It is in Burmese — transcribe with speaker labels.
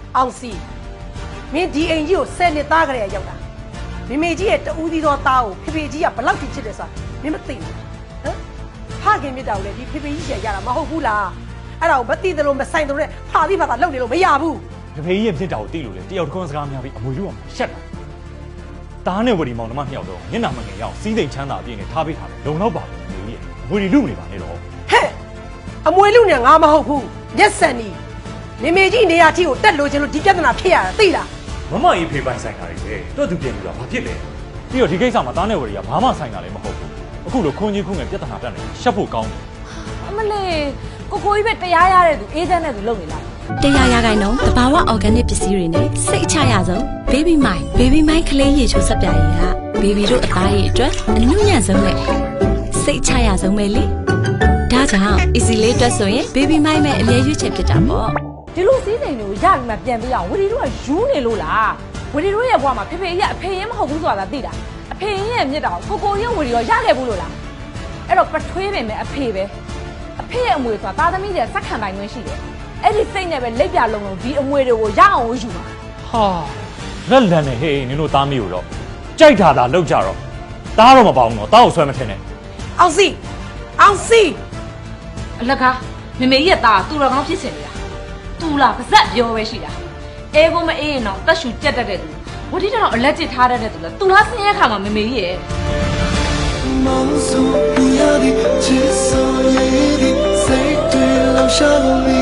Speaker 1: အောင်စီမင်းဒီအိမ်ကြီးကို10နှစ်သားကလေးရောက်တာမိမေကြီးရဲ့တူးသီးသောသားကိုဖေဖေကြီးကဘလောက်ထိချစ်တယ်ဆိုတာမင်းမသိဘူးဟမ်ဖခင်မြတ်တာကိုလည်းဒီဖေဖေကြီးရတာမဟုတ်ဘူးလားအဲ့ဒါကိုမသိတယ်လို့မဆိုင်တယ်လို့ဖာပြီးဖာသာလုပ်နေလို့မရဘူး
Speaker 2: ဖေဖေကြီးရဲ့ဖြစ်တာကိုသိလို့လေတယောက်တစ်ခွန်းစကားများပြီးအမွေလူအောင်ရှက်တာတားနဲ့ဝရီမောင်နှမနှစ်ယောက်တော့မျက်နှာမငယ်ရအောင်စီးစိမ်ချမ်းသာအပြည့်နဲ့ထားပေးထားတယ်လုံလောက်ပါဘူးမေကြီးရဲ့ဝရီလူမနေပါနဲ့တော့
Speaker 1: ဟဲ့အမွေလူနဲ့ငါမဟုတ်ဘူးရက်စံနီမိမေကြီးနေရာထိကိုတက်လို့ချင်းလို့ဒီပြဿနာဖြစ်ရတာသိလား
Speaker 2: မမကြီးဖေပိုင်ဆိုင်တာတွေပဲတွတ်သူပြင်ပြီးတော့ဘာဖြစ်လဲပြီးတော့ဒီကိစ္စမှာတားနဲ့ဝရီကဘာမှဆိုင်တာလည်းမဟုတ်ဘူးအခုလိုခွန်ကြီးခုငယ်ပြဿနာတက်နေရှက်ဖို့ကောင်းတယ်
Speaker 3: အမလေးကိုကြီးပဲတရားရတဲ့သူအေးချမ်းတဲ့သူလုပ်နေလား
Speaker 4: တရားရခိုင်တော့တဘာဝ organic ပစ္စည်းတွေနဲ့စိတ်ချရဆုံး baby mind ကလေးရေချိုးဆက်ပြားရည်က baby တို့အသားရည်အတွက်အနုညံ့ဆုံးနဲ့စိတ်ချရဆုံးပဲလေဒါကြောင့် easy လေးအတွက်ဆိုရင် baby mind ပဲအမြဲရွေးချယ်ဖြစ်တာပေါ့
Speaker 3: ဒီလိုစီးစိမ်တွေကိုရပြီးမှပြန်ပေးအောင်ဝီဒီတို့ကယူနေလို့လားဝီဒီတို့ရဲ့ဘွားမှာဖေဖေကြီးကအဖေရင်မဟုတ်ဘူးဆိုတာသိတာအဖေရင်ရဲ့မြစ်တာကိုရဲ့ဝီဒီရောရခဲ့ဘူးလို့လားအဲ့တော့ပထွေးပင်ပဲအဖေပဲအဖေရဲ့အမွေဆိုတာသားသမီးတွေစက်ခံပိုင်ခွင့်ရှိတယ်အဲ့ဒီစိတ်နဲ့ပဲလက်ပြလုံးဒီအမွေတွေကိုရအောင်ယူပါ
Speaker 2: ဟာလက်လန်နေဟေးနင်တို့သားမီးကိုတော့ကြိုက်တာလောက်ကြတော့တားတော့မပေါအောင်တော့တားကိုဆွဲမထင်နဲ့
Speaker 1: အောင်စီ
Speaker 3: အလကားမေမေကြီးရဲ့သားသူတော်ကောင်းဖြစ်စင်နေတာသူလားပါဇက်ပြောပဲရှိတာအဲကိုမအေးရင်တော့တက်ရှူကြက်တတ်တဲ့သူဝတိတော်အလက်ကျထားတတ်တဲ့သူလားသူလားဆင်းရဲခါမှာမေမေကြီးရဲ့梦诉不要的，至少也的，谁对留下了你。